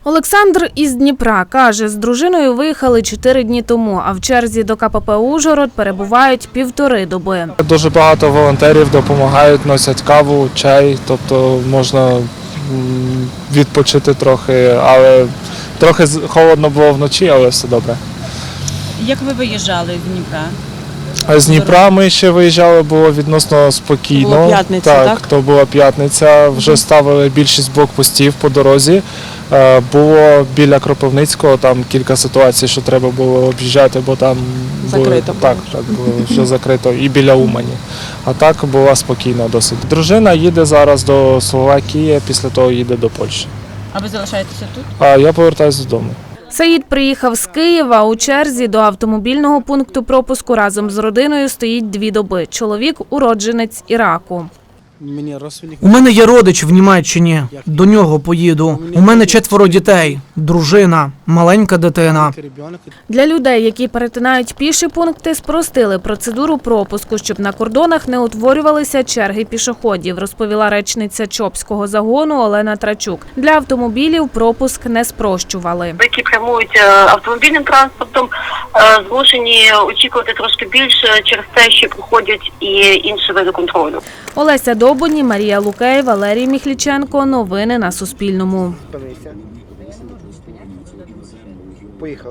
Олександр із Дніпра каже, з дружиною виїхали 4 дні тому, а в черзі до КПП «Ужгород» перебувають 1,5 доби. Дуже багато волонтерів допомагають, носять каву, чай, тобто можна відпочити трохи, але трохи холодно було вночі, але все добре. Як ви виїжджали з Дніпра? А з Дніпра ми ще виїжджали, було відносно спокійно. Була п'ятниця, так? То була п'ятниця, вже ставили більшість блокпостів по дорозі. Було біля Кропивницького, там кілька ситуацій, що треба було об'їжджати, бо там закрито було, так було вже закрито, і біля Умані. А так було спокійно досить. Дружина їде зараз до Словакії, після того їде до Польщі. А ви залишаєтеся тут? А я повертаюся додому. Саїд приїхав з Києва, у черзі до автомобільного пункту пропуску разом з родиною стоїть 2 доби. Чоловік – уродженець Іраку. У мене є родич в Німеччині, до нього поїду. У мене 4 дітей, дружина, маленька дитина. Для людей, які перетинають піші пункти, спростили процедуру пропуску, щоб на кордонах не утворювалися черги пішоходів, розповіла речниця Чопського загону Олена Трачук. Для автомобілів пропуск не спрощували. Які прямують автомобільним транспортом, змушені очікувати трошки більше через те, що проходять і інші види контролю. Олеся Добоні, Марія Лукей, Валерій Міхліченко. Новини на Суспільному.